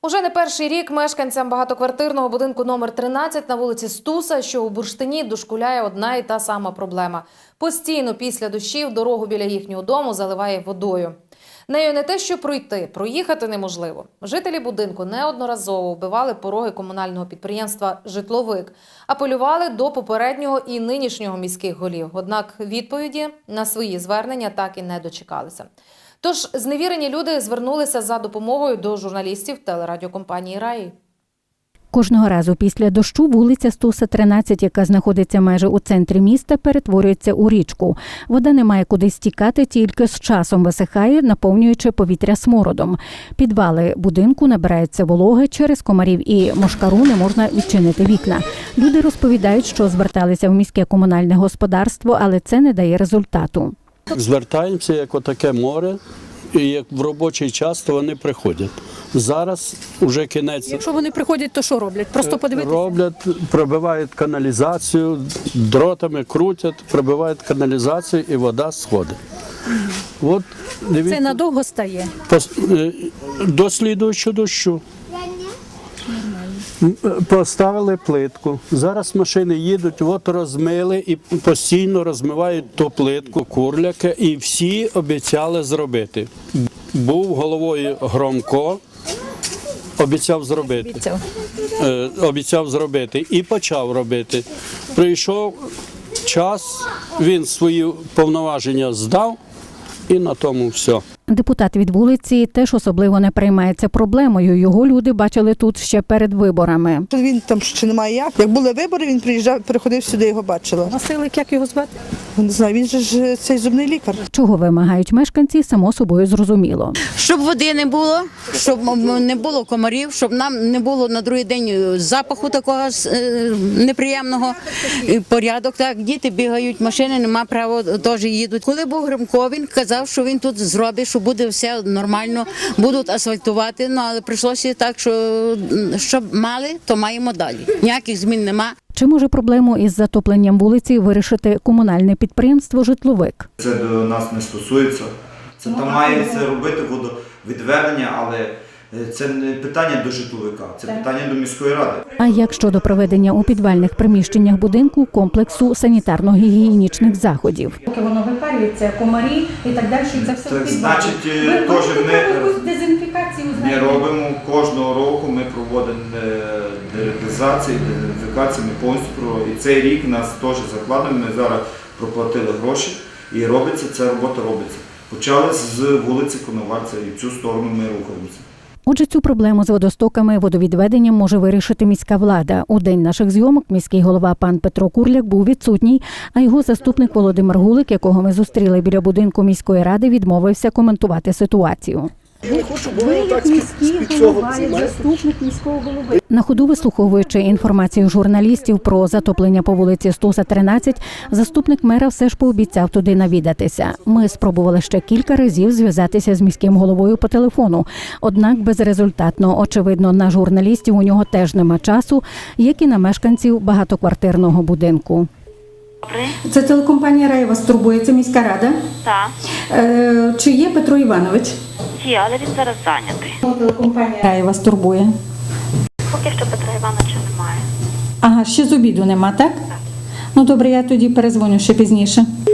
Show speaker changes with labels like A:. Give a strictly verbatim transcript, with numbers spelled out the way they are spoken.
A: Уже не перший рік мешканцям багатоквартирного будинку номер тринадцять на вулиці Стуса, що у Бурштині, дошкуляє одна і та сама проблема. Постійно після дощів дорогу біля їхнього дому заливає водою. Нею не те, що пройти, проїхати неможливо. Жителі будинку неодноразово вбивали пороги комунального підприємства «Житловик», апелювали до попереднього і нинішнього міських голів. Однак відповіді на свої звернення так і не дочекалися. Тож зневірені люди звернулися за допомогою до журналістів телерадіокомпанії «Раї».
B: Кожного разу після дощу вулиця Стуса, тринадцять, яка знаходиться майже у центрі міста, перетворюється у річку. Вода не має куди стікати, тільки з часом висихає, наповнюючи повітря смородом. Підвали будинку набираються вологи, через комарів і мошкару не можна відчинити вікна. Люди розповідають, що зверталися в міське комунальне господарство, але це не дає результату.
C: Звертаємося, як отаке море, і як в робочий час, то вони приходять. Зараз вже кінець.
D: Якщо вони приходять, то що роблять? Просто подивитися?
C: Роблять, пробивають каналізацію, дротами крутять, пробивають каналізацію і вода сходить. От, дивіться,
D: це надовго стає?
C: До слідуючого дощу. Поставили плитку. Зараз машини їдуть, от розмили і постійно розмивають ту плитку, курляки, і всі обіцяли зробити. Був головою Громко, обіцяв зробити.
D: Обіцяв.
C: Е, обіцяв зробити і почав робити. Прийшов час, він свої повноваження здав і на тому все.
B: Депутат від вулиці теж особливо не переймається проблемою. Його люди бачили тут ще перед виборами.
E: Він там ще немає як. Як були вибори, він приїжджав, приходив сюди, його бачила.
D: Василик, як його звати?
E: Не знаю, він же ж цей зубний лікар.
B: Чого вимагають мешканці, само собою зрозуміло.
F: Щоб води не було, щоб не було комарів, щоб нам не було на другий день запаху такого неприємного, порядок. Так, діти бігають, машини нема права, теж їдуть. Коли був Гримко, він казав, що він тут зробить, що буде все нормально, будуть асфальтувати, ну, але прийшлося так, що щоб мали, то маємо далі. Ніяких змін нема.
B: Чи може проблему із затопленням вулиці вирішити комунальне підприємство «Житловик»?
G: Це до нас не стосується. Це там має це робити водовідведення, але це не питання до житловика, це питання до міської ради.
B: А як щодо проведення у підвальних приміщеннях будинку комплексу санітарно-гігієнічних заходів?
H: Поки воно випарюється, комарі і так далі, це все
G: Так,
H: в
G: значить,
H: підвалі. Ви
G: теж
H: можете
G: ми
H: якусь дезінфікацію
G: не
H: знаєте?
G: робимо. Кожного року ми проводимо деретизацію, дезінфікацію, ми повністю проводимо. І цей рік нас теж закладено, ми зараз проплатили гроші і робиться, ця робота робиться. Почали з вулиці Коновальця і в цю сторону ми рухаємося.
B: Отже, цю проблему з водостоками, водовідведенням може вирішити міська влада. У день наших зйомок міський голова пан Петро Курляк був відсутній, а його заступник Володимир Гулик, якого ми зустріли біля будинку міської ради, відмовився коментувати ситуацію.
H: Ви як міський голова, як заступник міського голови.
B: На ходу вислуховуючи інформацію журналістів про затоплення по вулиці Стуса, тринадцять, заступник мера все ж пообіцяв туди навідатися. Ми спробували ще кілька разів зв'язатися з міським головою по телефону, однак безрезультатно. Очевидно, на журналістів у нього теж нема часу, як і на мешканців багатоквартирного будинку.
H: Це телекомпанія «Раї» вас турбує, це міська рада.
I: Так.
H: Е, чи є Петро Іванович?
I: Є, але він зараз зайнятий.
H: Телекомпанія «Раї» вас турбує.
I: Поки що Петра Івановича немає.
H: Ага, ще з обіду нема, так? Так. Ну добре, я тоді перезвоню ще пізніше.